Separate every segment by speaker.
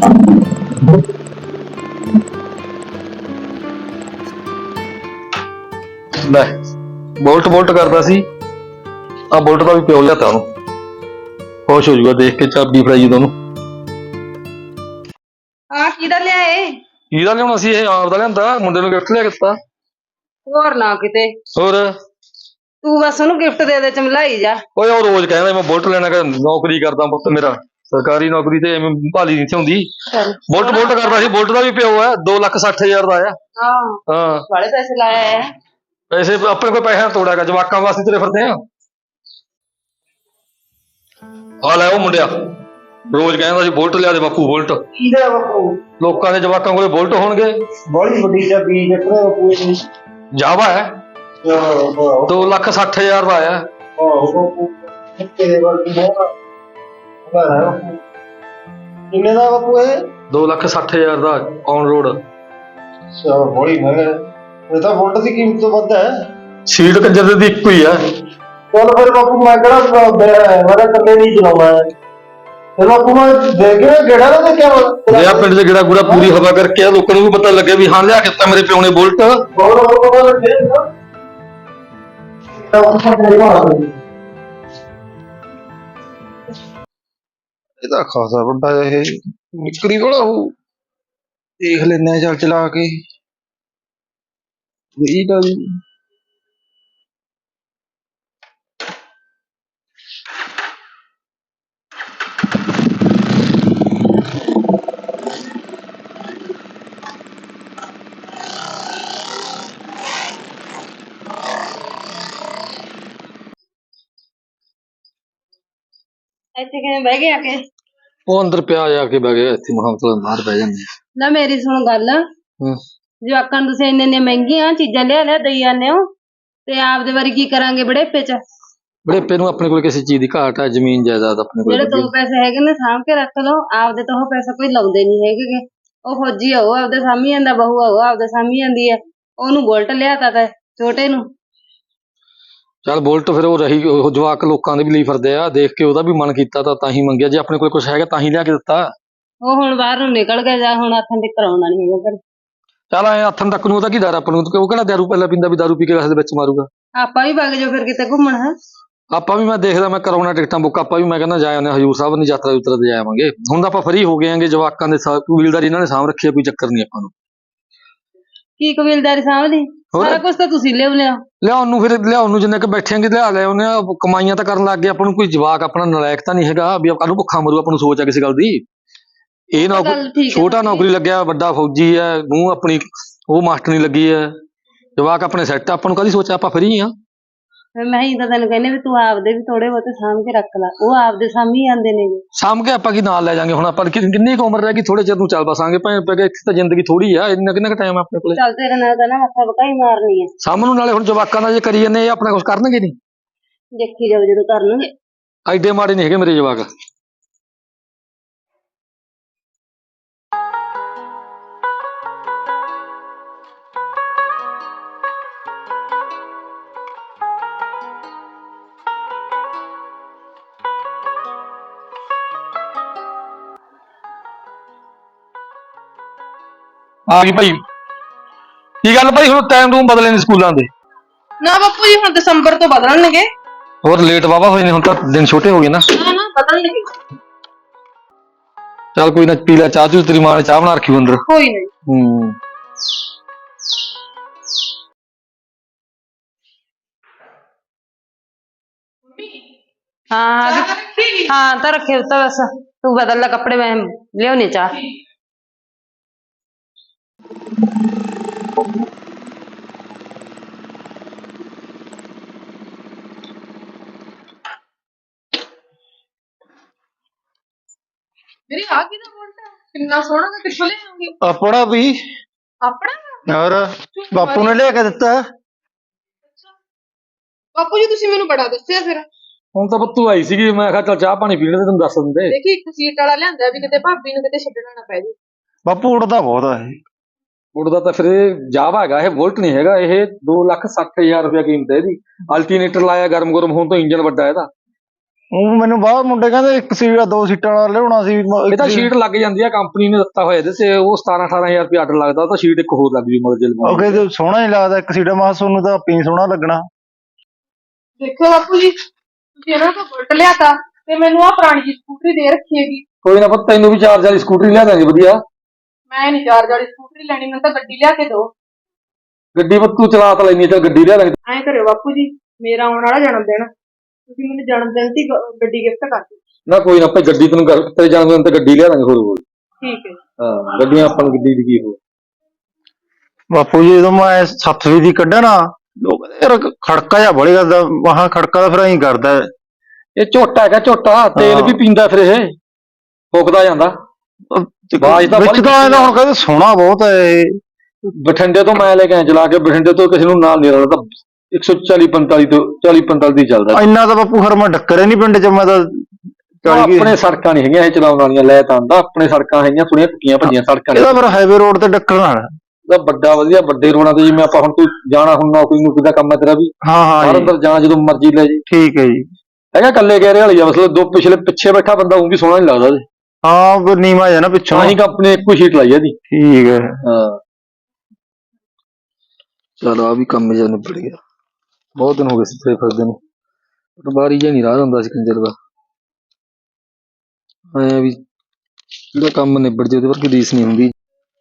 Speaker 1: ਲੈ bolt bolt ਕਰਦਾ ਸੀ। ਆ ਬੋਲਟ ਦਾ ਵੀ ਪਿਓ ਲਿਆਤਾ ਉਹਨੂੰ, ਖੁਸ਼ ਹੋ ਜਾਊਗਾ ਦੇਖ ਕੇ ਚਾਬੀ ਫੜਾਈ ਜਦੋਂ ਉਹਨੂੰ।
Speaker 2: ਆ ਕਿਹਦਾ ਲਿਆਏ?
Speaker 1: ਕਿਹਦਾ ਲਿਆਉਣਾ ਸੀ? ਇਹ ਆਪ ਦਾ ਲਿਆਂਦਾ, ਮੁੰਡੇ ਨੂੰ ਗਿਫਟ ਲਿਆ ਕੇ ਦਿੱਤਾ।
Speaker 2: ਹੋਰ ਨਾ ਕਿਤੇ
Speaker 1: ਹੋਰ
Speaker 2: ਤੂੰ ਬਸ ਉਹਨੂੰ ਗਿਫਟ ਦੇ ਦੇ ਚਮਲਾਈ ਜਾ।
Speaker 1: ਓਏ ਉਹ ਰੋਜ਼ ਕਹਿੰਦਾ ਮੈਂ ਬੁਲਟ ਲੈਣਾ, ਕਿ ਨੌਕਰੀ ਕਰਦਾ ਪੁੱਤ ਮੇਰਾ, ਸਰਕਾਰੀ ਨੌਕਰੀ ਤੇ ਐਵੇਂ ਭਾਲੀ ਨਹੀਂ ਹੁੰਦੀ। ਬੁਲਟ ਬੁਲਟ ਕਰਦਾ ਸੀ। ਬੁਲਟ ਦਾ ਵੀ ਪਿਓ ਹੈ, 2,60,000 ਦਾ ਆਇਆ। ਹਾਂ
Speaker 2: ਬੜੇ ਪੈਸੇ ਲਾਇਆ ਹੈ।
Speaker 1: ਪੈਸੇ ਆਪਣੇ ਕੋਲ ਪੈਸਾ ਤੋੜਿਆ ਗਾ, ਜਵਾਕਾਂ ਵਾਸਤੇ ਤੁਰੇ ਫਿਰਦੇ ਆ। ਆ ਲੈ ਉਹ ਮੁੰਡਿਆ ਰੋਜ਼ ਕਹਿੰਦਾ ਸੀ ਬੁਲਟ ਲਿਆ ਦੇ ਬਾਪੂ, ਬੁਲਟ।
Speaker 3: ਕਿਹਦਾ ਬਾਪੂ?
Speaker 1: ਲੋਕਾਂ ਦੇ ਜਵਾਕਾਂ ਕੋਲੇ ਬੁਲਟ ਹੋਣਗੇ।
Speaker 3: ਬੜੀ ਵੱਡੀ ਚਾਬੀ ਜੱਟਰੇ ਬਾਪੂ ਇਹ।
Speaker 1: ਜਾਵਾ ਹੈ, 2,60,000 ਦਾ ਆਇਆ।
Speaker 3: ਬਾਪੂ ਕਿਹਦੇ ਵਰਗੀ ਹੋਣਾ ਬਾਪੂ? ਕਿੰਨੇ ਦਾ ਬਾਪੂ ਇਹ?
Speaker 1: 2,60,000 ਦਾ ਔਨ ਰੋਡ।
Speaker 3: ਅੱਛਾ ਬੜੀ ਮਹਿੰਗਾ। ਇਹ ਤਾਂ ਬੁਲਟ ਦੀ ਕੀਮਤ ਤੋਂ ਵੱਧ ਹੈ।
Speaker 1: ਸੀਟ ਕੰਜਰ ਦੀ ਇੱਕੋ ਹੀ ਆ।
Speaker 3: ਚੱਲ ਫਿਰ ਬਾਪੂ ਮੈਂ ਕਿਹੜਾ ਮੇਰਾ ਕੱਲੇ ਨਹੀਂ ਚਲਾਉਣਾ ਹੈ। ਫਿਰ ਬਾਪੂ ਮੈਂ ਦੇ ਕੇ ਗੇੜਾ ਨਾ ਦੇਖਿਆ
Speaker 1: ਲਿਆ ਪਿੰਡ ਦੇ ਗੇੜਾ ਗੂੜਾ ਪੂਰੀ ਹਵਾ ਕਰਕੇ, ਲੋਕਾਂ ਨੂੰ ਵੀ ਪਤਾ ਲੱਗੇ ਵੀ ਹਾਂ ਲਿਆ ਕੇ ਦਿੱਤਾ ਮੇਰੇ ਪਿਓ ਨੇ ਬੁਲਟ।
Speaker 3: ਇਹਦਾ ਖਾਸਾ ਵੱਡਾ ਇਹ ਨਿਕਰੀ ਵਾਲਾ ਉਹ ਦੇਖ ਲੈਂਦੇ ਚੱਲ ਚਲਾ ਕੇ। ਇਹ ਤਾਂ
Speaker 2: ਇੱਥੇ ਕਿਵੇਂ ਬਹਿ ਗਏ ਆ ਕੇ?
Speaker 1: ਉਹ ਅੰਦਰ ਪਿਆ ਜਾ ਕੇ ਬਹਿ ਗਿਆ, ਇੱਥੇ ਮਹਾਂ ਬਾਹਰ ਬਹਿ ਜਾਂਦੇ।
Speaker 2: ਨਾ ਮੇਰੀ ਸੁਣ ਗੱਲ, ਜਵਾਕਾਂ ਨੂੰ ਤੁਸੀਂ ਇੰਨੇ ਮਹਿੰਗੀਆਂ ਚੀਜ਼ਾਂ ਲਿਆ ਦਈ ਜਾਂਦੇ ਹੋ, ਤੇ ਆਪਦੇ ਵਾਰੀ ਕੀ ਕਰਾਂਗੇ ਬੜੇਪੇ ਚ?
Speaker 1: ਬੜੇਪੇ ਨੂੰ ਆਪਣੇ ਕੋਲ ਕਿਸੇ ਚੀਜ਼ ਦੀ ਘਾਟ ਹੈ, ਜ਼ਮੀਨ ਜਾਇਦਾਦ ਆਪਣੇ ਕੋਲ।
Speaker 2: ਜਿਹੜੇ 2 ਪੈਸੇ ਹੈਗੇ ਨੇ ਸਾਂਭ ਕੇ ਰੱਖ ਲਓ, ਆਪਦੇ ਤਾਂ ਉਹ ਪੈਸਾ ਕੋਈ ਲਾਉਂਦੇ ਨਹੀਂ ਹੈਗੇ। ਉਹ ਫੌਜੀ ਆ, ਉਹ ਆਪਦੇ ਸਾਂਭੀ ਜਾਂਦਾ, ਬਹੂ ਆ ਉਹ ਆਪਦੇ ਸਾਂਭੀ ਜਾਂਦੀ ਹੈ। ਉਹਨੂੰ ਬੁਲਟ ਲਿਆਤਾ ਤਾ ਛੋਟੇ ਨੂੰ।
Speaker 1: ਚੱਲ ਬੁਲਟ ਫਿਰ ਉਹ ਰਹੀ, ਉਹ ਜਵਾਕ ਲੋਕਾਂ ਦੇ ਵੀ ਲਈ ਫਿਰਦੇ ਆ, ਦੇਖ ਕੇ ਉਹਦਾ ਵੀ ਮਨ ਕੀਤਾ ਤਾਂ ਹੀ ਮੰਗਿਆ। ਜੇ ਆਪਣੇ ਕੋਲ ਕੁਛ ਹੈਗਾ ਤਾਂ ਹੀ ਲਿਆ ਕੇ ਦਿੱਤਾ।
Speaker 2: ਉਹ ਹੁਣ ਬਾਹਰ ਨੂੰ ਨਿਕਲ ਗਿਆ, ਜਾਂ ਹੁਣ ਹੱਥਾਂ ਤੇ ਕਰਾਉਣਾ ਨਹੀਂ ਹੈਗਾ ਫਿਰ।
Speaker 1: ਚੱਲ ਐ ਹੱਥਾਂ ਤੱਕ ਨੂੰ ਉਹਦਾ ਕੀ ਡਰ ਆਪਾਂ ਨੂੰ? ਉਹ ਕਿਹੜਾ ਦਾਰੂ ਪਹਿਲਾਂ ਪੀਂਦਾ ਵੀ ਦਾਰੂ ਪੀ ਕੇ ਕਿਸੇ ਦੇ ਵਿੱਚ ਮਾਰੂਗਾ?
Speaker 2: ਆਪਾਂ ਵੀ ਵਗ ਜਾਓ ਫਿਰ ਕਿਤੇ ਘੁੰਮਣ। ਹੈ
Speaker 1: ਆਪਾਂ ਵੀ, ਮੈਂ ਦੇਖਦਾ ਮੈਂ ਕਰਾਉਣਾ ਟਿਕਟਾਂ ਬੁੱਕ। ਆਪਾਂ ਵੀ ਮੈਂ ਕਹਿੰਦਾ ਜਾ ਆਉਂਦੇ ਹਜ਼ੂਰ ਸਾਹਿਬ ਦੀ ਯਾਤਰਾ ਯੂਤਰਾ ਤੇ ਜਾ ਆਵਾਂਗੇ। ਹੁਣ ਤਾਂ ਆਪਾਂ ਫਰੀ ਹੋ ਗਏ ਆਂਗੇ, ਜਵਾਕਾਂ ਦੇ ਕਬੀਲਦਾਰੀ ਇਹਨਾਂ ਨੇ ਸਾਂਭ ਰੱਖੀ ਆ, ਕੋਈ ਚੱਕਰ ਨਹੀਂ ਆਪਾਂ ਨੂੰ।
Speaker 2: ਕੀ ਕਬੀਲਦਾਰੀ ਸਾਂਭਦੀ? ਸਾਰਾ ਕੁਝ ਤਾਂ ਤੁਸੀਂ ਲਿਆਉ
Speaker 1: ਲਿਆਉਣ ਨੂੰ, ਫਿਰ ਲਿਆਉਣ ਨੂੰ ਜਿੰਨੇ ਕ ਬੈਠੇਂਗੇ ਲਿਆ ਲੈ ਉਹਨੇ। ਕਮਾਈਆਂ ਤਾਂ ਕਰਨ ਲੱਗ ਗਏ, ਆਪਾਂ ਨੂੰ ਕੋਈ ਜਵਾਕ ਆਪਣਾ ਨਲਾਇਕ ਤਾਂ ਨਹੀਂ ਹੈਗਾ ਵੀ ਕੱਲ ਨੂੰ ਭੁੱਖਾ ਮਰੂ। ਆਪਾਂ ਨੂੰ ਸੋਚ ਆ ਕਿਸੇ ਗੱਲ ਦੀ। ਇਹ ਨੌਕਰੀ ਛੋਟਾ ਨੌਕਰੀ ਲੱਗਿਆ, ਵੱਡਾ ਫੌਜੀ ਹੈ, ਨੂੰਹ ਆਪਣੀ ਉਹ ਮਾਸਟਰਨੀ ਲੱਗੀ ਹੈ, ਜਵਾਕ ਆਪਣੇ ਸੈੱਟ। ਆਪਾਂ ਨੂੰ ਕਾਹਦੀ ਸੋਚ ਆ, ਆਪਾਂ ਫਰੀ ਆ।
Speaker 2: ਮੈਂ ਹੀ ਤਾਂ ਤੈਨੂੰ ਕਹਿੰਦੇ ਵੀ ਤੂੰ ਆਪਦੇ ਵੀ ਥੋੜੇ ਬਹੁਤੇ ਸਾਂਭ ਕੇ ਰੱਖ ਲੈ, ਉਹ ਆਪਦੇ ਸਾਂਭੀ ਜਾਂਦੇ ਨੇ।
Speaker 1: ਸਾਂਭ ਕੇ ਆਪਾਂ ਕੀ ਨਾਲ ਲੈ ਜਾਾਂਗੇ? ਹੁਣ ਆਪਾਂ ਕਿੰਨੀ ਕੁ ਉਮਰ ਰਹਿ ਗਈ, ਥੋੜੇ ਚਿਰ ਨੂੰ ਚੱਲ ਬਸਾਂਗੇ ਭੈਣ ਪੈ ਗਏ। ਇੱਥੇ ਤਾਂ ਜ਼ਿੰਦਗੀ ਥੋੜੀ ਆ, ਇੰਨਾ ਕਿੰਨਾ ਕੁ ਟਾਈਮ ਆਪਣੇ ਕੋਲੇ।
Speaker 2: ਚੱਲ ਤੇਰੇ ਨਾਲ ਤਾਂ ਨਾ ਮੱਥਾ ਬਕਾਈ ਮਾਰਨੀ ਹੈ
Speaker 1: ਸਾਹਮਣੇ ਨੂੰ। ਨਾਲੇ ਹੁਣ ਜਵਾਕਾਂ ਦਾ ਜੇ ਕਰੀ ਜਾਂਦੇ, ਇਹ ਆਪਣਾ ਕੁਛ ਕਰਨਗੇ ਨਹੀਂ।
Speaker 2: ਦੇਖੀ ਜਾਓ ਜਦੋਂ ਕਰਨਗੇ।
Speaker 1: ਐਡੇ ਮਾੜੇ ਨਹੀਂ ਹੈਗੇ ਮੇਰੇ ਜਵਾਕ। ਆ ਗਈ ਭਾਈ। ਕੀ ਗੱਲ ਭਾਈ, ਹੁਣ ਟਾਈਮ ਟੂਮ ਬਦਲੇ ਨੇ ਸਕੂਲਾਂ ਦੇ?
Speaker 2: ਨਾ ਬਾਪੂ ਜੀ, ਹੁਣ ਦਸੰਬਰ ਤੋਂ ਬਦਲਣਗੇ।
Speaker 1: ਹੋਰ ਲੇਟ ਵਾਵਾ ਹੋਏ ਨੇ, ਹੁਣ ਤਾਂ ਦਿਨ ਛੋਟੇ ਹੋ ਗਏ ਨਾ।
Speaker 2: ਨਾ ਬਦਲਣਗੇ।
Speaker 1: ਚੱਲ ਕੋਈ ਨਾ, ਪੀ ਲੈ ਚਾਹ ਚੂ, ਤੇਰੀ ਮਾਂ ਨੇ ਚਾਹ ਬਣਾ ਰੱਖੀ ਅੰਦਰ।
Speaker 2: ਕੋਈ ਨਹੀਂ। हाँ हाँ तो रखे तो बस तू बदल ला कपड़े, मैं लिया चाह। मेरी आ की बोलता कितना सोना मैं किथों ले आऊंगी?
Speaker 3: अपना भी
Speaker 2: अपना
Speaker 3: और बापू ने लेके दिता।
Speaker 2: बापू जी तुसी मेनू बड़ा दस्सिया फिर।
Speaker 1: ਹੁਣ ਤਾਂ ਬੱਤੂ ਆਈ ਸੀਗੀ, ਮੈਂ ਕਿਹਾ ਚੱਲ ਚਾਹ ਪਾਣੀ ਪੀ ਲੈਂਦੇ, ਤੈਨੂੰ ਦੱਸ ਦਿੰਦੇ।
Speaker 2: देखी एक सीट वाला लियांदा भी किते भाभी नू किते छड्डना ना पै जे।
Speaker 3: बापू उड़दा बहुत है।
Speaker 1: ਉੜਦਾ ਤਾਂ ਫਿਰ ਜਾਵਾ ਹੈਗਾ, ਇਹ ਬੁਲਟ ਨਹੀਂ ਹੈਗਾ। ਇਹ 2,60,000 ਰੁਪਇਆ ਕੀਮਤ ਹੈ ਇਹਦੀ। ਅਲਟਰਨੇਟਰ ਲਾਇਆ, ਗਰਮ ਗਰਮ ਹੋਣ ਤੋਂ ਇੰਜਨ ਵੱਡਾ ਇਹਦਾ।
Speaker 4: ਉਹ ਮੈਨੂੰ ਬਾਹਰ ਮੁੰਡੇ ਕਹਿੰਦੇ ਇੱਕ ਸੀਟ ਆ 2 ਸੀਟਾਂ ਵਾਲਾ ਲਿਆਉਣਾ ਸੀ
Speaker 1: ਇਹ ਤਾਂ ਸ਼ੀਟ ਲੱਗ ਜਾਂਦੀ ਆ, ਕੰਪਨੀ ਨੇ ਦਿੱਤਾ ਹੋਇਆ ਇਹਦੇ ਤੇ, ਉਹ 17-18 ਹਜ਼ਾਰ ਰੁਪਏ ਆਰਡਰ ਲੱਗਦਾ, ਉਹ ਤਾਂ ਸ਼ੀਟ ਇੱਕ ਹੋਰ ਲੱਗ ਜੂ ਮਗਰ ਜੇ
Speaker 4: ਉਹ ਕਹਿੰਦੇ ਸੋਹਣਾ ਨਹੀਂ ਲੱਗਦਾ ਇੱਕ ਸੀਟ। ਮੈਂ ਤੁਹਾਨੂੰ ਤਾਂ ਆਪੀ ਸੋਹਣਾ ਲੱਗਣਾ।
Speaker 5: ਦੇਖੋ ਬਾਪੂ ਜੀ, ਤੁਸੀਂ ਇਹਨਾਂ ਤੋਂ ਬੁਲਟ ਲਿਆਤਾ ਤੇ ਮੈਨੂੰ ਆ ਪੁਰਾਣੀ ਜਿਹੀ ਸਕੂਟਰੀ ਦੇ ਰੱਖੀ ਹੈਗੀ।
Speaker 1: ਕੋਈ ਨਾ ਪੁੱਤ, ਤੈਨੂੰ ਵੀ ਚਾਰਜ ਵਾਲੀ ਸਕੂਟਰੀ ਲਿਆ ਦਾਂਗੇ ਵਧੀਆ।
Speaker 5: ਮੈਂ ਨਹੀਂ ਚਾਰਜ ਵਾਲੀ ਸਕੂਟਰੀ ਲੈਣੀ, ਮੈਨੂੰ ਤਾਂ ਗੱਡੀ ਲਿਆ ਕੇ ਦਿਓ।
Speaker 1: ਗੱਡੀ ਪੁੱਤ ਤੂੰ ਚਲਾ ਤਾਂ ਲੈਣੀ, ਚੱਲ ਗੱਡੀ ਲਿਆ ਦਾਂਗੇ।
Speaker 5: ਐਂ ਕਰਿਓ ਬਾਪੂ ਜੀ, ਮੇਰਾ ਆਉਣ ਵਾਲਾ ਜਨਮ ਦਿਨ, ਤੁਸੀਂ ਮੈਨੂੰ ਜਨਮ ਦਿਨ ਦੀ ਗੱਡੀ ਗਿਫਟ ਕਰ ਦਿਓ।
Speaker 1: ਨਾ ਕੋਈ ਨਾ, ਆਪਾਂ ਗੱਡੀ ਤੈਨੂੰ ਤੇਰੇ ਜਨਮ ਦਿਨ ਤੇ ਗੱਡੀ ਲਿਆ ਦਾਂਗੇ ਹੋਰ।
Speaker 5: ਠੀਕ ਹੈ।
Speaker 1: ਹਾਂ, ਗੱਡੀਆਂ ਆਪਾਂ ਨੂੰ ਗੱਡੀ ਦੀ ਕੀ ਹੋ।
Speaker 4: ਬਾਪੂ ਜੀ ਜਦੋਂ ਮੈਂ 7ਵੀਂ ਦੀ ਕੱਢਿਆ ਨਾ, ਲੋਕ ਕਹਿੰਦੇ ਯਾਰ ਖੜਕਾ ਜਿਹਾ ਬੜੀ ਕਰਦਾ। ਵਾਹਾਂ ਖੜਕਾ ਤਾਂ ਫਿਰ ਐਂ ਕਰਦਾ।
Speaker 1: ਇਹ ਝੋਟਾ ਹੈਗਾ, ਝੋਟਾ ਤੇਲ ਵੀ ਪੀਂਦਾ, ਫਿਰ ਇਹ ਫੁੱਕਦਾ ਜਾਂਦਾ। ਆਵਾਜ਼ ਤਾਂ
Speaker 4: ਵਿੱਚ ਤਾਂ ਐਂ ਹੁਣ ਕਹਿੰਦੇ ਸੋਹਣਾ ਬਹੁਤ ਹੈ ਇਹ।
Speaker 1: ਬਠਿੰਡੇ ਤੋਂ ਮੈਂ ਲੈ ਕੇ ਆਇਆ ਚਲਾ ਕੇ, ਬਠਿੰਡੇ ਤੋਂ ਕਿਸੇ ਨੂੰ ਨਾਲ ਨਹੀਂ ਰਲਦਾ, 140-45 ਤੋਂ 40-45 ਦੀ ਚੱਲਦਾ।
Speaker 4: ਇੰਨਾ ਤਾਂ ਬਾਪੂ ਫਿਰ ਮੈਂ ਡੱਕਰੇ ਨਹੀਂ ਪਿੰਡ ਚ। ਮੈਂ ਤਾਂ
Speaker 1: ਆਪਣੇ ਸੜਕਾਂ ਨਹੀਂ ਹੈਗੀਆਂ ਇਹ ਚਲਾਉਣ ਵਾਲੀਆਂ, ਲੈ ਤਾਂ ਆਂਦਾ ਆਪਣੇ ਸੜਕਾਂ ਹੈਗੀਆਂ ਥੋੜੀਆਂ ਟੁੱਟੀਆਂ ਭੱਜੀਆਂ ਸੜਕਾਂ।
Speaker 4: ਇਹਦਾ ਫਿਰ ਹਾਈਵੇ ਰੋਡ ਤੇ ਡੱਕਰ ਨਾਲ
Speaker 1: ਇਹਦਾ ਵੱਡਾ ਵਧੀਆ ਵੱਡੇ ਰੋਡਾਂ ਤੇ, ਜਿਵੇਂ ਆਪਾਂ ਹੁਣ ਤੂੰ ਜਾਣਾ ਹੁਣ ਨੌਕਰੀ ਨੂੰ, ਕਿਦਾ ਕੰਮ ਹੈ ਤੇਰਾ ਵੀ,
Speaker 4: ਹਾਂ ਹਾਂ
Speaker 1: ਬਾਹਰ
Speaker 4: ਜੀ,
Speaker 1: ਅੰਦਰ ਜਾਣਾ ਜਦੋਂ ਮਰਜ਼ੀ ਲੈ ਜੀ।
Speaker 4: ਠੀਕ ਹੈ ਜੀ।
Speaker 1: ਹੈਗਾ ਕੱਲੇ ਗਹਿਰੇ ਵਾਲੀ ਆ, ਮਤਲਬ ਦੋ ਪਿੱਛੇ ਬੈਠਾ ਬੰਦਾ ਉਹ ਵੀ ਸੋਹਣਾ ਨਹੀਂ ਲੱਗਦਾ ਉਹਦੇ।
Speaker 4: ਹਾਂ ਫਿਰ ਨੀਵਾਂ ਜਿਹਾ ਨਾ ਪਿੱਛੋਂ।
Speaker 1: ਤਾਂ ਹੀ ਕੰਪਨੀ ਨੇ ਇੱਕੋ ਸ਼ੀਟ ਲਾਈ ਆ ਇਹਦੀ।
Speaker 4: ਠੀਕ ਹੈ।
Speaker 1: ਹਾਂ ਚਲੋ, ਆ ਵੀ ਕੰਮ ਜਿਹਾ ਨਿਬੜ ਗਿਆ। ਬਹੁਤ ਦਿਨ ਹੋ ਗਏ ਸੀ ਫੇਰ ਫਿਰਦੇ ਨੂੰ, ਬਾਰੀ ਜਿਹਾ ਨਹੀਂ ਰਾਹ ਹੁੰਦਾ ਸੀ ਕੰਜਰ ਦਾ। ਐ ਵੀ ਜਿਹੜਾ ਕੰਮ ਨਿਬੜ ਜੇ ਉਹਦੇ ਵਰਗੀ ਰੀਸ ਨਹੀਂ ਹੁੰਦੀ।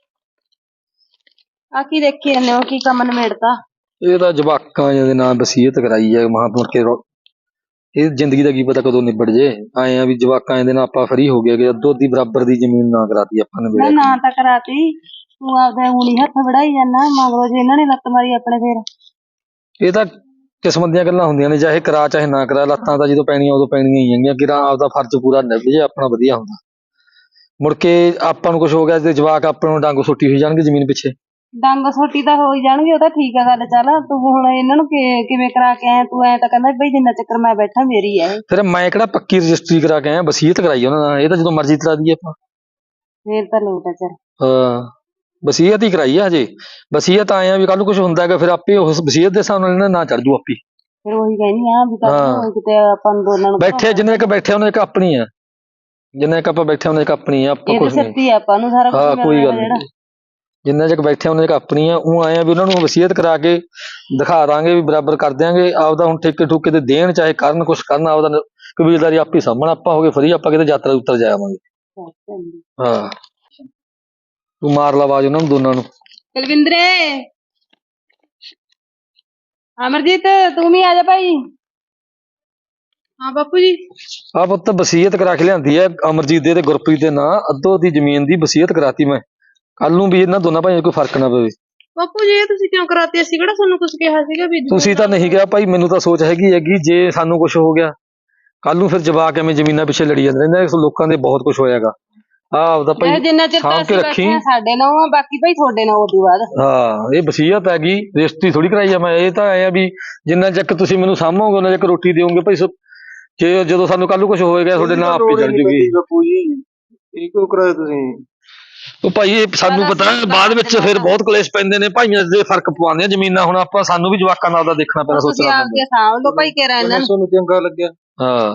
Speaker 2: ਆ ਕੀ ਦੇਖੀ ਜਾਂਦੇ ਹੋ, ਕੀ ਕੰਮ ਨਿਬੇੜਤਾ?
Speaker 1: ਇਹ ਤਾਂ ਜਵਾਕਾਂ ਦੇ ਨਾਲ ਵਸੀਅਤ ਕਰਾਈ ਹੈ ਮਹਾਂ ਮੁੜ ਕੇ ਇਹ ਜ਼ਿੰਦਗੀ ਦਾ ਕੀ ਪਤਾ ਕਦੋਂ ਨਿਬੜ ਜੇ। ਆਏ ਆ ਵੀ ਜਵਾਕਾਂ ਦੇ ਨਾਲ ਆਪਾਂ ਫਰੀ ਹੋ ਗਏ ਕਿ ਅੱਧੋ ਅੱਧੀ ਬਰਾਬਰ ਦੀ ਜ਼ਮੀਨ ਨਾ ਕਰਾਤੀ ਆਪਾਂ ਨੇ।
Speaker 2: ਮੈਂ ਨਾ ਤਾਂ ਕਰਾਤੀ, ਤੂੰ ਆਪਦਾ ਉਂਗਲੀ ਹੱਥ ਵੜਾਈ ਜਾਂਦਾ, ਮਗਰੋਂ ਜੇ ਇਹਨਾਂ ਨੇ ਲੱਤ ਮਾਰੀ ਆਪਣੇ ਫੇਰ।
Speaker 1: ਇਹ ਤਾਂ ਕਿਸਮਤ ਦੀਆਂ ਗੱਲਾਂ ਹੁੰਦੀਆਂ ਨੇ, ਚਾਹੇ ਕਰਾ ਚਾਹੇ ਨਾ ਕਰਾ, ਲੱਤਾਂ ਤਾਂ ਜਦੋਂ ਪੈਣੀਆਂ ਉਦੋਂ ਪੈਣੀਆਂ ਹੀ ਹੈਗੀਆਂ। ਕਿਰਾ ਆਪਦਾ ਫਰਜ਼ ਪੂਰਾ ਨਿਭ ਜੇ ਆਪਣਾ ਵਧੀਆ ਹੁੰਦਾ। ਮੁੜ ਕੇ ਆਪਾਂ ਨੂੰ ਕੁਝ ਹੋ ਗਿਆ ਤੇ ਜਵਾਕ ਆਪਾਂ ਨੂੰ ਡੰਗ ਸੁੱਟੀ ਹੋਈ ਜਾਣਗੇ ਜ਼ਮੀਨ ਪਿੱਛੇ।
Speaker 2: ਡੰਗ ਸੋਟੀ ਤਾਂ ਹੋ ਹੀ ਜਾਣਗੇ, ਉਹ ਤਾਂ ਠੀਕ ਆ ਗੱਲ। ਚੱਲ ਤੂੰ ਹੁਣ ਇਹਨਾਂ ਨੂੰ ਕਿਵੇਂ ਕਰਾ ਕੇ ਆਇਆ? ਤੂੰ ਐ ਤਾਂ ਕਹਿੰਦਾ ਬਈ ਜਿੰਨਾ ਚੱਕਰ ਮੈਂ ਬੈਠਾ ਮੇਰੀ ਐ।
Speaker 1: ਫਿਰ ਮੈਂ ਕਿਹੜਾ ਪੱਕੀ ਰਜਿਸਟਰੀ ਕਰਾ ਕੇ ਆਇਆ, ਵਸੀਅਤ ਕਰਾਈ ਉਹਨਾਂ ਨਾਲ। ਇਹ ਤਾਂ ਜਦੋਂ ਮਰਜ਼ੀ ਕਰਾ ਦਈਏ ਆਪਾਂ।
Speaker 2: ਫੇਰ ਤਾਂ ਲੋਟ ਆ। ਚੱਲ
Speaker 1: ਹਾਂ, ਵਸੀਅਤ ਹੀ ਕਰਾਈ ਆ ਹਜੇ। ਵਸੀਅਤ ਆਏ ਆ ਵੀ ਕੱਲ ਨੂੰ ਕੁਝ ਹੁੰਦਾ ਹੈਗਾ, ਫਿਰ ਆਪੇ ਉਸ ਵਸੀਅਤ ਦੇ ਹਿਸਾਬ ਨਾਲ ਇਹਨਾਂ ਨਾ ਚੜ ਜੂ ਆਪੀ।
Speaker 2: ਫਿਰ ਉਹੀ ਕਹਿਨੀ ਆ ਵੀ ਤਾਂ ਕਿਤੇ ਆਪਾਂ ਨੂੰ ਦੋਨਾਂ ਨੂੰ
Speaker 1: ਬੈਠੇ ਜਿੰਨੇ ਇੱਕ ਬੈਠੇ ਉਹਨਾਂ ਇੱਕ ਆਪਣੀ ਆ, ਜਿੰਨੇ ਇੱਕ ਆਪਾਂ ਬੈਠੇ ਉਹਨਾਂ ਇੱਕ ਆਪਣੀ ਆ। ਆਪਾਂ ਕੁਝ ਨਹੀਂ,
Speaker 2: ਸੱਤੀ ਆਪਾਂ ਨੂੰ ਸਾਰਾ
Speaker 1: ਹਾਂ
Speaker 2: ਕੁਝ
Speaker 1: ਕੋਈ ਗੱਲ ਨਹੀਂ। ਜਿੰਨੇ ਚਿਰ ਬੈਠੇ ਉਹਨਾਂ ਇੱਕ ਆਪਣੀ ਆ। ਉਹ ਆਏ ਆ ਵੀ ਉਹਨਾਂ ਨੂੰ ਵਸੀਅਤ ਕਰਾ ਕੇ ਦਿਖਾ ਦਾਂਗੇ ਵੀ ਬਰਾਬਰ ਕਰ ਦਿਆਂਗੇ। ਆਪਦਾ ਹੁਣ ਠੇਕੇ ਠੂਕੇ ਤੇ ਦੇਣ ਚਾਹੇ ਕਰਨ, ਕੁਛ ਕਰਨ, ਆਪਦਾ ਕਬੀਲਦਾਰੀ ਆਪੇ ਸਾਂਭਣ। ਆਪਾਂ ਹੋ ਗਏ ਫਰੀ, ਆਪਾਂ ਕਿਤੇ ਯਾਤਰਾ ਉੱਤਰ ਜਾਵਾਂਗੇ। ਹਾਂ, ਤੂੰ ਮਾਰ ਲਾ ਆਵਾਜ਼ ਉਹਨਾਂ ਨੂੰ ਦੋਨਾਂ ਨੂੰ।
Speaker 2: ਕੁਲਵਿੰਦਰੇ, ਅਮਰਜੀਤ, ਤੂੰ ਵੀ ਆ ਜਾ ਭਾਈ।
Speaker 5: ਹਾਂ ਬਾਪੂ ਜੀ।
Speaker 1: ਆ ਪੁੱਤ ਵਸੀਅਤ ਕਰਾ ਕੇ ਲਿਆਂਦੀ ਹੈ ਅਮਰਜੀਤ ਦੇ ਤੇ ਗੁਰਪ੍ਰੀਤ ਦੇ ਨਾਂ, ਅੱਧੋ ਦੀ ਜ਼ਮੀਨ ਦੀ ਵਸੀਅਤ ਕਰਾਤੀ ਮੈਂ। ਕੱਲ ਨੂੰ ਵੀ ਇਹਨਾਂ ਦੋਨਾਂ ਭਾਈਆਂ ਕੋਈ ਫਰਕ ਨਾ ਪਵੇ।
Speaker 5: ਬਾਪੂ ਜੀ ਇਹ ਤੁਸੀਂ ਕਿਉਂ ਕਰਾਤੀ? ਅਸੀਂ ਕਿਹੜਾ ਤੁਹਾਨੂੰ ਕੁਝ ਕਿਹਾ ਸੀਗਾ ਵੀ?
Speaker 1: ਤੁਸੀਂ ਤਾਂ ਨਹੀਂ ਕਿਹਾ ਭਾਈ, ਮੈਨੂੰ ਤਾਂ ਸੋਚ ਹੈਗੀ ਜੇ ਸਾਨੂੰ ਕੁਝ ਹੋ ਗਿਆ ਕੱਲ ਨੂੰ ਫਿਰ ਜਵਾਕ ਐਵੇਂ ਜ਼ਮੀਨਾਂ ਪਿੱਛੇ ਲੜੀ ਜਾਂਦੇ ਰਹਿੰਦੇ। ਲੋਕਾਂ ਦੇ ਬਹੁਤ ਕੁਝ ਹੋਇਆਗਾ। ਆਪਦਾ ਭਾਈ
Speaker 2: ਜਿੰਨਾ ਚਿਰ
Speaker 1: ਸਾਂਭ ਕੇ ਰੱਖੀ।
Speaker 2: ਸਾਡੇ ਨਾਲ ਆ, ਬਾਕੀ ਭਾਈ ਤੁਹਾਡੇ ਨਾਲ ਉਦੋਂ ਬਾਅਦ।
Speaker 1: ਹਾਂ, ਇਹ ਵਸੀਅਤ ਹੈਗੀ, ਰਜਿਸਟਰੀ ਥੋੜੀ ਕਰਾਈ ਆ ਮੈਂ। ਇਹ ਤਾਂ ਆਇਆ ਵੀ ਜਿੰਨਾ ਚੱਕ ਤੁਸੀਂ ਮੈਨੂੰ ਸਾਂਭੋਗੇ ਉਹਨਾਂ ਚੱਕ ਰੋਟੀ ਦਿਓਗੇ ਭਾਈ। ਜੇ ਜਦੋਂ ਸਾਨੂੰ ਕੱਲ ਨੂੰ ਕੁਝ ਹੋਏਗਾ ਤੁਹਾਡੇ ਨਾਲ ਆਪੇ ਚੜ ਜੂਗੀ।
Speaker 4: ਬਾਪੂ ਜੀ ਇਹ ਕਿਉਂ ਕਰਾਇਆ ਤੁਸੀਂ?
Speaker 1: ਉਹ ਭਾਈ ਇਹ ਸਾਨੂੰ ਪਤਾ ਬਾਅਦ ਵਿੱਚ ਫਿਰ ਬਹੁਤ ਕਲੇਸ਼ ਪੈਂਦੇ ਨੇ, ਭਾਈਆਂ ਦੇ ਫਰਕ ਪਵਾਉਂਦੇ ਆ ਜ਼ਮੀਨਾਂ। ਹੁਣ ਆਪਾਂ ਸਾਨੂੰ ਵੀ ਜਵਾਕਾਂ ਨਾਲ ਦਾ ਦੇਖਣਾ ਪੈਣਾ,
Speaker 2: ਤੁਸੀਂ
Speaker 1: ਸੋਚਣਾ
Speaker 2: ਆਪਦੇ ਸਾਂਭ ਲਓ ਭਾਈ ਕਿਹੜਾ ਇਹਨਾਂ ਨੂੰ।
Speaker 4: ਤੁਹਾਨੂੰ ਚੰਗਾ ਲੱਗਿਆ।
Speaker 1: ਹਾਂ,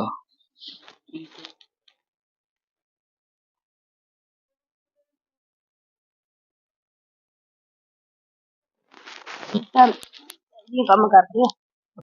Speaker 2: ਚੱਲ ਇਹ ਕੰਮ ਕਰਦੇ ਆ।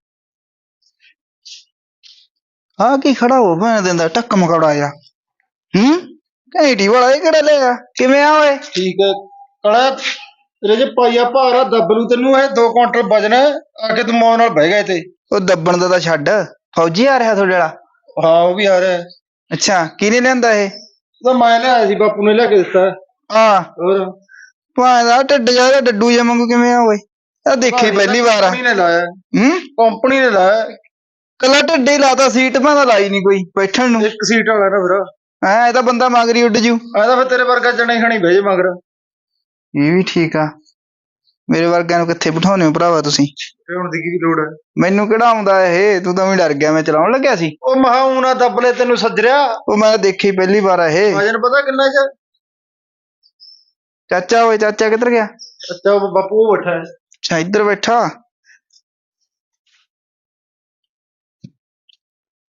Speaker 6: ਹਾਂ ਕੀ ਖੜਾ ਹੋ ਭੈਣ ਦਿੰਦਾ ਟੱਕ ਮਕੌੜਾ ਜਾ। ਘੈਂਟੀ ਵਾਲਾ ਇਹ ਕਿਹੜਾ ਲਿਆ? ਕਿਵੇਂ ਆ ਓਏ?
Speaker 4: ਠੀਕ ਹੈ ਕਲਾ ਤੇਰੇ ਜੇ ਪਾਈਆ ਭਾਰ ਆ ਦੱਬਲੂ ਤੈਨੂੰ। ਇਹ 2 ਕੁਇੰਟਲ ਵਜਨ ਆ ਕੇ ਤੂੰ ਮੌਨ ਨਾਲ ਬਹਿ ਗਿਆ ਇੱਥੇ।
Speaker 6: ਉਹ ਦੱਬਣ ਦਾ ਤਾਂ ਛੱਡ, ਫੌਜੀ ਆ ਰਿਹਾ ਤੁਹਾਡੇ ਵਾਲਾ?
Speaker 4: ਹਾਂ ਉਹ ਵੀ ਆ ਰਿਹਾ।
Speaker 6: ਅੱਛਾ ਕਿਹਨੇ ਲਿਆਂਦਾ ਇਹ?
Speaker 4: ਤਾਂ ਮੈਂ ਲਿਆਇਆ ਸੀ, ਬਾਪੂ ਨੇ ਲਿਆ ਕੇ ਦਿੱਤਾ।
Speaker 6: ਹਾਂ
Speaker 4: ਹੋਰ
Speaker 6: ਭਾਂ ਦਾ ਢਿੱਡ ਜਾ ਡੱਡੂ ਜਿਹਾ ਵਾਂਗੂ ਕਿਵੇਂ ਆ ਓਏ? ਇਹ ਦੇਖੀ ਪਹਿਲੀ ਵਾਰ ਆ।
Speaker 4: ਕੰਪਨੀ ਨੇ ਲਾਇਆ।
Speaker 6: ਹੂੰ
Speaker 4: ਕੰਪਨੀ ਨੇ ਲਾਇਆ।
Speaker 6: ਕੱਲਾ ਢਿੱਡੇ ਹੀ ਲਾਤਾ, ਸੀਟ ਭਾਂ ਦਾ ਲਾਈ ਨਹੀਂ ਕੋਈ ਬੈਠਣ ਨੂੰ।
Speaker 4: ਇੱਕ ਸੀਟ ਵਾਲਾ ਨਾ ਫਿਰ
Speaker 6: ਇਹ ਤਾਂ ਬੰਦਾ ਮਗਰੀ ਉੱਡ ਜੂ।
Speaker 4: ਆ ਤਾਂ ਫਿਰ ਤੇਰੇ ਵਰਗਾ ਜਣੇ ਖਣੀ ਬਹਿ ਜੇ ਮਗਰ।
Speaker 6: ਇਹ ਵੀ ਠੀਕ ਆ, ਮੇਰੇ ਵਰਗਿਆਂ ਨੂੰ ਕਿੱਥੇ ਬਿਠਾਉਣੇ ਹੋ ਭਰਾਵਾ ਤੁਸੀਂ?
Speaker 4: ਹੁਣ ਦੀ ਕੀ ਲੋੜ ਹੈ?
Speaker 6: ਮੈਨੂੰ ਕਿਹੜਾ ਆਉਂਦਾ ਇਹ? ਤੂੰ ਤਾਂ ਵੀ ਡਰ ਗਿਆ, ਮੈਂ ਚਲਾਉਣ ਲੱਗਿਆ ਸੀ।
Speaker 4: ਉਹ ਮਹਾ ਊਂ ਨਾ ਦੱਬ ਲੈ ਤੈਨੂੰ ਸੱਜਰਿਆ।
Speaker 6: ਉਹ ਮੈਂ ਦੇਖੀ ਪਹਿਲੀ ਵਾਰ ਆ ਇਹ।
Speaker 4: ਵਜਨ ਪਤਾ ਕਿੰਨਾ ਚ?
Speaker 6: ਚਾਚਾ ਓਏ, ਚਾਚਾ ਕਿੱਧਰ ਗਿਆ?
Speaker 4: ਅੱਛਾ ਉਹ ਬਾਪੂ ਉਹ ਬੈਠਾ ਹੈ।
Speaker 6: ਅੱਛਾ ਇੱਧਰ ਬੈਠਾ।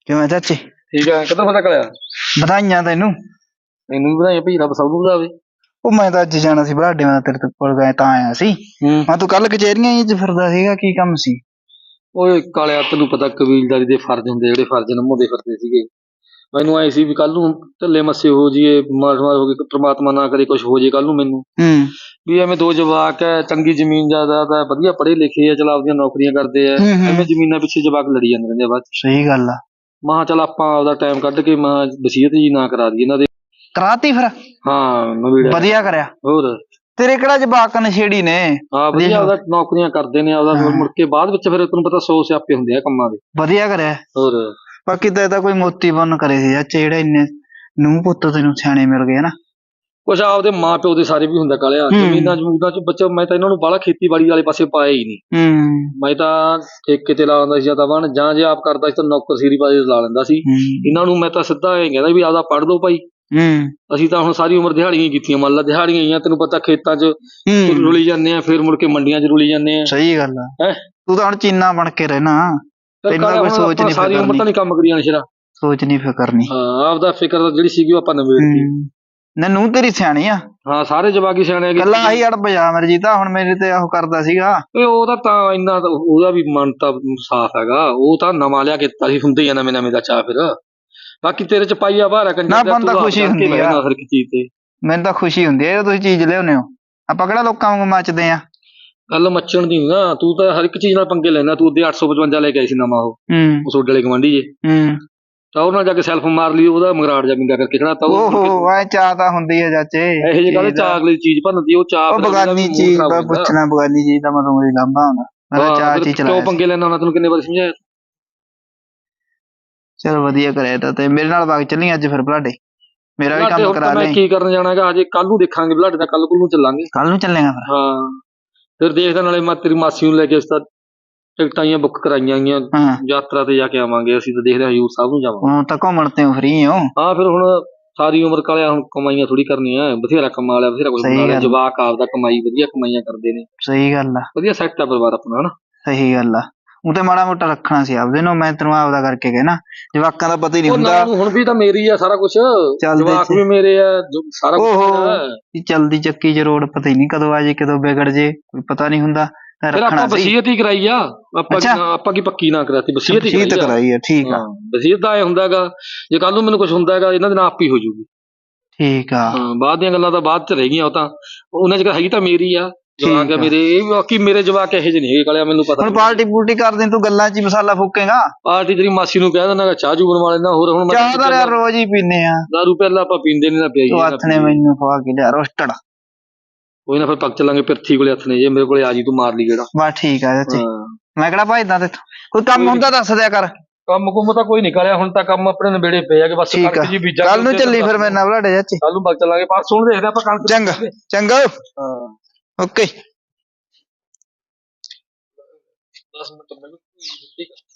Speaker 6: ਕਿਵੇਂ ਚਾਚੇ?
Speaker 1: ਠੀਕ ਆ, ਕਿੱਧਰ ਪਤਾ ਕਲਿਆ?
Speaker 6: ਵਧਾਈਆਂ ਤੈਨੂੰ।
Speaker 1: ਮੈਨੂੰ ਵੀ ਵਧਾਈਆਂ ਭਾਈ, ਰੱਬ ਸਭ ਨੂੰ ਵਧਾਵੇ।
Speaker 6: ਉਹ ਮੈਂ ਤਾਂ ਅੱਜ ਜਾਣਾ ਸੀ ਬਰਾਡੇ, ਮੈਂ ਤੇਰੇ ਕੋਲ ਗਏ ਤਾਂ ਆਇਆ ਸੀ। ਮੈਂ ਤੂੰ ਕੱਲ ਕਚਹਿਰੀਆਂ ਚ ਫਿਰਦਾ ਸੀਗਾ, ਕੀ ਕੰਮ ਸੀ?
Speaker 1: ਓਏ ਕਾਲਿਆ, ਤੈਨੂੰ ਪਤਾ ਕਬੀਲਦਾਰੀ ਦੇ ਫਰਜ਼ ਹੁੰਦੇ, ਜਿਹੜੇ ਫਰਜ਼ ਨਿਭਾਉਂਦੇ ਫਿਰਦੇ ਸੀਗੇ। ਮੈਨੂੰ ਐ ਸੀ ਵੀ ਕੱਲ ਨੂੰ ਢੱਲੇ ਮੱਸੇ ਹੋ ਜੀਏ, ਮਾਰ ਹੋ ਗਈ, ਪ੍ਰਮਾਤਮਾ ਨਾ ਕਰੇ ਕੁਛ ਹੋ ਜੇ ਕੱਲ ਨੂੰ ਮੈਨੂੰ। ਵੀ ਐਵੇਂ ਦੋ ਜਵਾਕ ਐ, ਚੰਗੀ ਜ਼ਮੀਨ ਜਾਇਦਾਦ ਐ, ਵਧੀਆ ਪੜ੍ਹੇ ਲਿਖੇ ਆ, ਚਲ ਆਪਦੀਆਂ ਨੌਕਰੀਆਂ ਕਰਦੇ ਆ, ਐਵੇਂ ਜ਼ਮੀਨਾਂ ਪਿੱਛੇ ਜਵਾਕ ਲੜੀ ਜਾਂਦੇ ਰਹਿੰਦੇ ਆ ਬਾਅਦ ਚ।
Speaker 6: ਸਹੀ ਗੱਲ ਆ।
Speaker 1: ਮਹਾਂ ਚੱਲ ਆਪਾਂ ਆਪਦਾ ਟਾਈਮ ਕੱਢ ਕੇ ਮਹਾਂ ਵਸੀਅਤ ਜੀ ਨਾ ਕਰਾ ਦਈਏ ਇਹਨਾਂ ਦੇ।
Speaker 6: ਕਰਾਤੀ ਫਿਰ?
Speaker 1: ਹਾਂ ਨਵੀੜਾ।
Speaker 6: ਵਧੀਆ ਕਰਿਆ।
Speaker 1: ਹੋਰ
Speaker 6: ਤੇਰੇ ਕਿਹੜਾ ਜਵਾਕ ਨਸ਼ੇੜੀ ਨੇ?
Speaker 1: ਹਾਂ ਵਧੀਆ, ਆਪਦਾ ਨੌਕਰੀਆਂ ਕਰਦੇ ਨੇ ਆਪਦਾ, ਮੁੜ ਕੇ ਬਾਅਦ ਵਿੱਚ ਫਿਰ ਤੈਨੂੰ ਪਤਾ 100 ਸਿਆਪੇ ਹੁੰਦੇ ਆ ਕੰਮਾਂ ਦੇ।
Speaker 6: ਵਧੀਆ ਕਰਿਆ।
Speaker 1: ਹੋਰ
Speaker 6: ਬਾਕੀ ਤਾਂ ਕੋਈ ਮੋਤੀ ਬੰਨ ਕਰੇ ਸੀ ਚਾਚੇ, ਜਿਹੜੇ ਇੰਨੇ ਨੂੰਹ ਪੁੱਤ ਤੈਨੂੰ ਸਿਆਣੇ ਮਿਲ ਗਏ ਨਾ।
Speaker 1: ਕੁਛ ਆਪਦੇ ਮਾਂ ਪਿਓ ਦੇ ਸਾਰੇ ਵੀ ਹੁੰਦਾ ਕਾਲਿਆ, ਜ਼ਮੀਨਾਂ ਜਮੂਨਾਂ ਚ ਬੱਚਾ। ਮੈਂ ਤਾਂ ਇਹਨਾਂ ਨੂੰ ਬਾਹਲਾ ਖੇਤੀਬਾੜੀ ਵਾਲੇ ਪਾਸੇ ਪਾਇਆ ਹੀ ਨਹੀਂ। ਮੈਂ ਤਾਂ ਠੇਕੇ ਤੇ ਲਾ ਲੈਂਦਾ ਸੀ, ਜਾਂ ਤਾਂ ਬਣ ਜਾਂ ਜੇ ਆਪ ਕਰਦਾ ਸੀ ਤਾਂ ਨੌਕਰ ਸੀਰੀ ਪਾਸੇ ਲਾ ਲੈਂਦਾ ਸੀ। ਇਹਨਾਂ ਨੂੰ ਮੈਂ ਤਾਂ ਸਿੱਧਾ ਇਹ ਕਹਿੰਦਾ ਵੀ ਆਪਦਾ ਪੜ੍ਹ ਲਓ ਭਾਈ। ਅਸੀਂ ਤਾਂ ਹੁਣ ਸਾਰੀ ਉਮਰ ਦਿਹਾੜੀਆਂ ਹੀ ਕੀਤੀਆਂ, ਮੰਨ ਲਾ ਦਿਹਾੜੀਆਂ ਹੀ ਆ, ਤੈਨੂੰ ਪਤਾ ਖੇਤਾਂ 'ਚ ਰੁਲੀ ਜਾਂਦੇ ਆ, ਫਿਰ ਮੁੜ ਕੇ ਮੰਡੀਆਂ 'ਚ ਰੁਲੀ ਜਾਂਦੇ ਆ।
Speaker 6: ਸਹੀ ਗੱਲ ਆ।
Speaker 1: ਹੈਂ?
Speaker 6: ਤੂੰ ਤਾਂ ਹੁਣ ਚੀਨਾ ਬਣ ਕੇ ਰਹਿਣਾ, ਤੈਨੂੰ ਤਾਂ ਕੋਈ ਸੋਚ ਨਹੀਂ
Speaker 1: ਸਾਰੀ ਉਮਰ ਤਾਂ ਨਹੀਂ ਕੰਮ ਕਰੀ ਜਾਣਾ ਸ਼ੇਰਾ।
Speaker 6: ਸੋਚ ਨਹੀਂ ਫਿਕਰ ਨਹੀਂ।
Speaker 1: ਹਾਂ ਆਪਦਾ ਫਿਕਰ ਤਾਂ ਜਿਹੜੀ ਸੀਗੀ ਉਹ ਆਪਾਂ ਨਵੇੜਤੀ।
Speaker 6: ਨਾ ਨੂੰਹ ਤੇਰੀ ਸਿਆਣੀ ਆ।
Speaker 1: ਹਾਂ ਸਾਰੇ ਜਵਾਕ ਹੀ ਸਿਆਣੇ ਆ।
Speaker 6: ਗੱਲਾਂ ਆਹੀ ਅੜ ਬਜਾ ਮੇਰੀ ਜੀ, ਤਾਂ ਹੁਣ ਮੇਰੇ ਤੇ ਉਹ ਕਰਦਾ ਸੀਗਾ।
Speaker 1: ਉਹਦਾ ਤਾਂ ਇੰਨਾ ਉਹਦਾ ਵੀ ਮਨ ਤਾਂ ਸਾਫ਼ ਹੈਗਾ, ਉਹ ਤਾਂ ਨਵਾਂ ਲਿਆ ਕੇ ਦਿੱਤਾ ਸੀ, ਹੁੰਦੇ ਆ ਨਵੇਂ ਨਵੇਂ ਦਾ ਚਾਹ। ਫਿਰ ਬਾਕੀ ਤੇਰੇ ਚ ਪਾਈਆ ਬਾਹਰ ਆ ਕੰਜਰ,
Speaker 6: ਨਾ ਬੰਦਾ ਖੁਸ਼ੀ ਹੁੰਦੀ ਆ
Speaker 1: ਹਰ ਇੱਕ ਚੀਜ਼ ਤੇ।
Speaker 6: ਮੈਨੂੰ ਤਾਂ ਖੁਸ਼ੀ ਹੁੰਦੀ ਆ ਤੁਸੀਂ ਚੀਜ਼ ਲਿਆਉਂਦੇ ਹੋ, ਆਪਾਂ ਕਿਹੜਾ ਲੋਕਾਂ ਵਾਂਗੂ ਮੱਚਦੇ ਆ।
Speaker 1: ਗੱਲ ਮੱਚਣ ਦੀ ਨਾ, ਤੂੰ ਤਾਂ ਹਰ ਇੱਕ ਚੀਜ਼ ਨਾਲ ਪੰਗੇ ਲੈਣਾ। ਤੂੰ ਉਹਦੇ 855 ਲੈ ਕੇ ਆਈ ਸੀ ਨਵਾਂ, ਉਹ ਸੋਡੇ ਵਾਲੇ ਗਵਾਂਢੀ ਜੇ, ਤਾਂ ਉਹਨਾਂ ਜਾ ਕੇ ਸੈਲਫ ਮਾਰ ਲਈ, ਉਹਦਾ ਮਗਰਾੜ ਜਾ ਮਿੰਗਾ ਕਰਕੇ ਖੜਾ ਤਾ।
Speaker 6: ਓਹੋ ਐ ਚਾਹ ਤਾਂ ਹੁੰਦੀ ਹੈ ਚਾਚੇ,
Speaker 1: ਇਹੋ ਜਿਹੇ ਗੱਲ ਚਾਹ ਅਗਲੀ ਚੀਜ਼ ਭੰਨਦੀ, ਉਹ ਚਾਹ
Speaker 6: ਬਗਾਨੀ ਚੀਜ਼ ਦਾ ਪੁੱਛਣਾ, ਬਗਾਨੀ ਚੀਜ਼ ਦਾ ਮਤਲਬ ਕੋਈ ਲਾਂਭਾ ਹੁੰਦਾ। ਮੈਂ ਤਾਂ ਚਾਹ ਚੀਜ਼
Speaker 1: ਕਿਉਂ ਪੰਗੇ ਲੈਣਾ ਉਹਨਾਂ, ਤੈਨੂੰ ਕਿੰਨੇ ਵਾਰ ਸਮਝਾਇਆ।
Speaker 6: ਚਲ ਵਧੀਆ ਕਰਿਆ ਤਾਂ। ਤੇ ਮੇਰੇ ਨਾਲ ਬਾਗ ਚੱਲੀ ਅੱਜ ਫਿਰ ਬਲਾਡੇ, ਮੇਰਾ ਵੀ ਕੰਮ ਕਰਾ ਲੈ।
Speaker 1: ਕੀ ਕਰਨ ਜਾਣਾ ਹੈਗਾ, ਅਜੇ ਕੱਲ ਨੂੰ ਦੇਖਾਂਗੇ ਬਲਾਡੇ ਦਾ, ਕੱਲ ਨੂੰ ਚੱਲਾਂਗੇ।
Speaker 6: ਕੱਲ ਨੂੰ ਚੱਲੇਗਾ ਫਿਰ?
Speaker 1: ਹਾਂ ਫਿਰ ਦੇਖਦਾ, ਨਾਲੇ ਮੈਂ ਤੇਰੀ ਮਾਸੀ ਨੂੰ ਲੈ ਕੇ, ਇਸ ਤਾਂ ਟਿਕਟਾਂ ਹੀ ਬੁੱਕ ਕਰਾਈਆਂ ਗਈਆਂ, ਯਾਤਰਾ ਤੇ ਜਾ ਕੇ ਆਵਾਂਗੇ ਅਸੀਂ। ਤਾਂ ਦੇਖਦੇ ਹਾਂ ਹਜ਼ੂਰ ਸਾਹਿਬ ਨੂੰ ਜਾਵਾਂਗੇ।
Speaker 6: ਹੁਣ ਤਾਂ ਘੁੰਮਣ ਤੇ ਫਰੀ ਹੋ?
Speaker 1: ਹਾਂ ਫਿਰ ਹੁਣ ਸਾਰੀ ਉਮਰ ਕਾਲਿਆ, ਹੁਣ ਕਮਾਈਆਂ ਥੋੜੀ ਕਰਨੀਆਂ, ਬਥੇਰਾ ਕਮਾ ਲਿਆ, ਬਥੇਰਾ ਕੁਝ ਬਣਾ ਲਿਆ। ਜਵਾਕ ਆਪਦਾ ਕਮਾਈ ਵਧੀਆ ਕਮਾਈਆਂ ਕਰਦੇ ਨੇ।
Speaker 6: ਸਹੀ ਗੱਲ ਆ।
Speaker 1: ਵਧੀਆ ਸੈੱਟ ਆ ਪਰਿਵਾਰ ਆਪਣਾ, ਹਨਾ।
Speaker 6: ਸਹੀ ਗੱਲ ਆ। ਉਹ ਤੇ ਮਾੜਾ ਮੋਟਾ ਰੱਖਣਾ ਸੀ ਆਪਦੇ ਨੂੰ, ਮੈਂ ਤੈਨੂੰ ਆਪਦਾ ਕਰਕੇ ਕਹਿਣਾ, ਜਵਾਕਾਂ ਦਾ ਪਤਾ ਹੀ ਨਹੀਂ ਹੁੰਦਾ।
Speaker 1: ਹੁਣ ਵੀ ਤਾਂ ਮੇਰੀ ਆ ਸਾਰਾ ਕੁਛ, ਜਵਾਕ ਵੀ ਮੇਰੇ ਆ, ਸਾਰਾ ਕੁਝ।
Speaker 6: ਚਲਦੀ ਚੱਕੀ ਚ ਰੋਡ ਪਤਾ ਹੀ ਨਹੀਂ ਕਦੋਂ ਆ ਜੇ, ਕਦੋਂ ਵਿਗੜ ਜੇ, ਕੋਈ ਪਤਾ ਨਹੀਂ ਹੁੰਦਾ।
Speaker 1: ਫਿਰ ਆਪਾਂ ਵਸੀਅਤ ਹੀ ਕਰਾਈ ਆ, ਆਪਾਂ ਕੀ ਪੱਕੀ ਨਾ ਕਰਾਤੀ, ਵਸੀਅਤ ਹੀ
Speaker 6: ਕਰਾਈ ਆ। ਠੀਕ ਆ।
Speaker 1: ਵਸੀਅਤ ਦਾ ਇਹ ਹੁੰਦਾ ਹੈਗਾ, ਜੇ ਕੱਲ ਨੂੰ ਮੈਨੂੰ ਕੁਝ ਹੁੰਦਾ ਹੈਗਾ, ਇਹਨਾਂ ਦੇ ਨਾਲ ਆਪ ਹੀ ਹੋ ਜੂਗੀ।
Speaker 6: ਠੀਕ ਆ।
Speaker 1: ਬਾਅਦ ਦੀਆਂ ਗੱਲਾਂ ਤਾਂ ਬਾਅਦ ਚ ਰਹਿ ਗਈਆਂ, ਉਹ ਤਾਂ ਉਹਨਾਂ ਚ ਹੈਗੀ ਤਾਂ ਮੇਰੀ ਆ, ਜਵਾਕ ਆ ਮੇਰੇ। ਇਹ ਬਾਕੀ ਮੇਰੇ ਜਵਾਕ ਇਹੋ ਜਿਹੇ ਨਹੀਂ ਹੈਗੇ ਕਾਲਿਆ, ਮੈਨੂੰ ਪਤਾ।
Speaker 6: ਹੁਣ ਪਾਰਟੀ ਪੂਰਟੀ ਕਰਦੇ ਤੂੰ, ਗੱਲਾਂ ਚ ਮਸਾਲਾ ਫੂਕੇਗਾ।
Speaker 1: ਪਾਰਟੀ ਤੇਰੀ ਮਾਸੀ ਨੂੰ ਕਹਿ ਦੇਣਾ, ਚਾਹ ਚੂ ਬਣਵਾ ਲੈਣਾ। ਹੋਰ ਹੁਣ
Speaker 6: ਚਾਹ ਤਾਂ ਯਾਰ ਰੋਜ਼ ਹੀ ਪੀਨੇ ਆ।
Speaker 1: ਦਾਰੂ ਪਹਿਲਾਂ ਆਪਾਂ ਪੀਂਦੇ ਨੀ ਨਾ, ਪਿਆਈ
Speaker 6: ਹੱਥ ਨੇ ਮੈਨੂੰ ਖਵਾ ਕੇ ਲਿਆ ਰੋਸਟਡ।
Speaker 1: ਕੋਈ ਨਾ ਫਿਰ ਪੱਕ ਚੱਲਾਂਗੇ ਪਿਰਥੀ ਕੋਲੇ, ਹੱਥ ਨੇ ਜੇ ਮੇਰੇ ਕੋਲੇ ਆ ਜੀ, ਤੂੰ ਮਾਰ ਲਈ ਗੇੜਾ।
Speaker 6: ਬਸ ਠੀਕ ਆ ਚਾਚੇ, ਮੈਂ ਕਿਹੜਾ ਭਜਦਾ ਤੇ। ਕੋਈ ਕੰਮ ਹੁੰਦਾ ਦੱਸ ਦਿਆ ਕਰ।
Speaker 1: ਕੰਮ ਕੁੰਮ ਤਾਂ ਕੋਈ ਨਿਕਲਿਆ, ਹੁਣ ਤਾਂ ਕੰਮ ਆਪਣੇ ਨੇੜੇ ਪਏ ਆ ਕਿ ਬਸ ਕਣਕ ਜੀ ਬੀਜਾਂਗੇ।
Speaker 6: ਕੱਲ ਨੂੰ ਚੱਲੀ ਫਿਰ ਮੇਰੇ ਨਾਲ ਬਲਾਡੇ ਚਾਚੇ।
Speaker 1: ਕੱਲ ਨੂੰ ਪੱਕ ਚੱਲਾਂਗੇ, ਪਰਸੋਂ ਨੂੰ ਦੇਖਦੇ ਆਪਾਂ ਕਣਕ।
Speaker 6: ਚੰਗਾ ਚੰਗਾ। ਓਕੇ।
Speaker 1: 10 ਮਿੰਟ ਮੈਨੂੰ ਠੀਕ ਆ।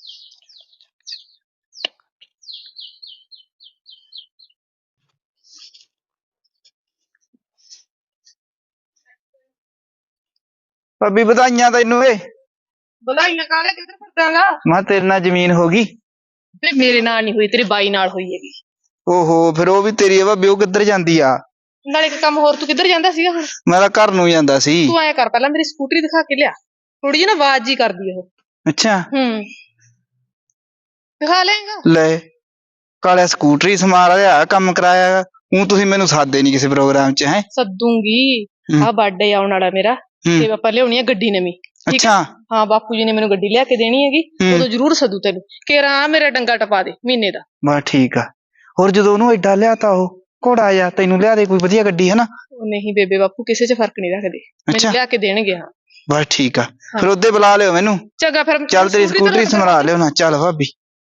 Speaker 6: ਭਾਬੀ ਵਧਾਈਆਂ ਤੈਨੂੰ ਏ।
Speaker 5: ਵਧਾਈਆਂ ਕਾਲੇ, ਕਿੱਧਰ ਫਿਰਦਾਗਾ?
Speaker 6: ਮੈਂ ਤੇਰੇ ਨਾਲ ਜ਼ਮੀਨ ਹੋ ਗਈ।
Speaker 5: ਤੇ ਮੇਰੇ ਨਾਲ ਨਹੀਂ ਹੋਈ, ਤੇਰੇ ਬਾਈ ਨਾਲ ਹੋਈ ਹੈਗੀ।
Speaker 6: ਓਹੋ ਫਿਰ ਉਹ ਵੀ ਤੇਰੀ ਆ ਭਾਬੀ, ਉਹ ਕਿੱਧਰ ਜਾਂਦੀ ਆ?
Speaker 5: ਨਾਲੇ ਇੱਕ ਕੰਮ ਹੋਰ, ਤੂੰ ਕਿੱਧਰ ਜਾਂਦਾ ਸੀਗਾ ਹੁਣ?
Speaker 6: ਮੈਂ ਤਾਂ ਘਰ ਨੂੰ ਜਾਂਦਾ ਸੀ।
Speaker 5: ਤੂੰ ਐਂ ਕਰ, ਪਹਿਲਾਂ ਮੇਰੀ ਸਕੂਟਰੀ ਦਿਖਾ ਕੇ ਲਿਆ, ਥੋੜੀ ਜਿਹੀ ਨਾ ਆਵਾਜ਼ ਜੀ ਕਰਦੀ ਉਹ।
Speaker 6: ਅੱਛਾ।
Speaker 5: ਦਿਖਾ ਲੇਗਾ?
Speaker 6: ਲੈ ਕਾਲਿਆ ਸਕੂਟਰੀ ਸਮਾਰ ਲਿਆ, ਕੰਮ ਕਰਾਇਆ। ਹੁਣ ਤੁਸੀਂ ਮੈਨੂੰ ਸਾਦੇ ਨਹੀਂ ਕਿਸੇ ਪ੍ਰੋਗਰਾਮ ਚ? ਹੈ
Speaker 5: ਸੱਦੂਗੀ, ਆਹ ਬਰਥਡੇ ਆਉਣ ਵਾਲਾ ਮੇਰਾ, ਤੇ ਆਪਾਂ ਲਿਆਉਣੀ ਆ ਗੱਡੀ ਨਵੀਂ।
Speaker 6: ਅੱਛਾ।
Speaker 5: ਹਾਂ ਬਾਪੂ ਜੀ ਨੇ ਮੈਨੂੰ ਗੱਡੀ ਲਿਆ ਕੇ ਦੇਣੀ ਹੈਗੀ, ਉਦੋਂ ਜ਼ਰੂਰ ਸੱਦੂ ਤੈਨੂੰ। ਕੇਰਾ ਮੇਰਾ ਡੰਗਾ ਟਪਾ ਦੇ ਮਹੀਨੇ ਦਾ।
Speaker 6: ਬਸ ਠੀਕ ਆ। ਹੋਰ ਜਦੋਂ ਉਹਨੂੰ ਐਡਾ ਲਿਆ ਤਾਂ ਉਹ ਘੋੜਾ ਜਾ, ਤੈਨੂੰ ਲਿਆ ਦੇ ਕੋਈ ਵਧੀਆ ਗੱਡੀ, ਹਨਾ?
Speaker 5: ਨਹੀਂ ਬੇਬੇ ਬਾਪੂ ਕਿਸੇ ਚ ਫਰਕ ਨਹੀਂ ਰੱਖਦੇ, ਮੈਨੂੰ ਲਿਆ ਕੇ ਦੇਣਗੇ। ਹਾਂ
Speaker 6: ਬਸ ਠੀਕ ਆ, ਫਿਰ ਉਹਦੇ ਬੁਲਾ ਲਿਓ ਮੈਨੂੰ।
Speaker 5: ਚੰਗਾ ਫਿਰ,
Speaker 6: ਚੱਲ ਤੇਰੀ ਸਕੂਟਰੀ ਸਮਰਾ ਲਿਓ ਨਾ। ਚੱਲ ਭਾਬੀ।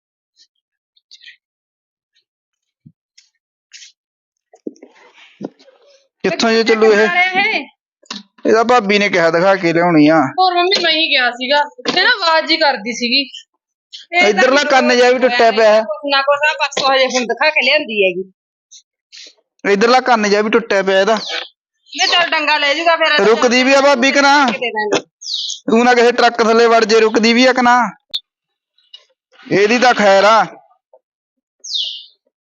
Speaker 6: ਕਿੱਥੋਂ ਜੇ ਚੱਲੂ ਇਹ? ਇਹਦਾ ਭਾਬੀ ਨੇ ਕਿਹਾ ਦਿਖਾ ਕੇ ਲਿਆਉਣੀ ਆ।
Speaker 5: ਹੋਰ ਮੰਮੀ ਮੈਂ ਹੀ ਗਿਆ ਸੀਗਾ, ਤੇ ਨਾ ਆਵਾਜ਼ ਹੀ ਕਰਦੀ ਸੀਗੀ।
Speaker 6: ਇਧਰਲਾ ਕੰਨ ਜਿਹਾ ਵੀ ਟੁੱਟਿਆ ਪਿਆ।
Speaker 5: ਨਾ ਕੁਛ ਆ, ਪਰਸੋਂ ਹਜੇ ਹੁਣ ਦਿਖਾ ਕੇ ਲਿਆਂਦੀ ਹੈਗੀ।
Speaker 6: ਇਧਰਲਾ ਕੰਨ ਜਿਹਾ ਵੀ ਟੁੱਟਿਆ ਪਿਆ ਇਹਦਾ।
Speaker 5: ਮੈਂ ਚੱਲ ਡੰਗਾ ਲੈ ਜਾਊਗਾ ਫਿਰ।
Speaker 6: ਰੁਕਦੀ ਵੀ ਆ ਭਾਬੀ ਕਿ ਨਾ? ਤੂੰ ਨਾ ਕਿਸੇ ਟਰੱਕ ਥੱਲੇ ਵੜ ਜੇ, ਰੁਕਦੀ ਵੀ ਆ ਕਿ ਨਾ? ਇਹਦੀ ਤਾਂ ਖੈਰ ਆ।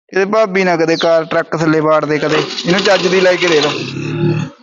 Speaker 6: ਇਹਦੇ ਭਾਬੀ ਨਾ ਕਦੇ ਕਾਰ ਟਰੱਕ ਥੱਲੇ ਵਾੜ ਦੇ ਕਦੇ ਇਹਨੂੰ ਚੱਜ ਦੀ ਲੈ ਕੇ ਦੇ ਦੋ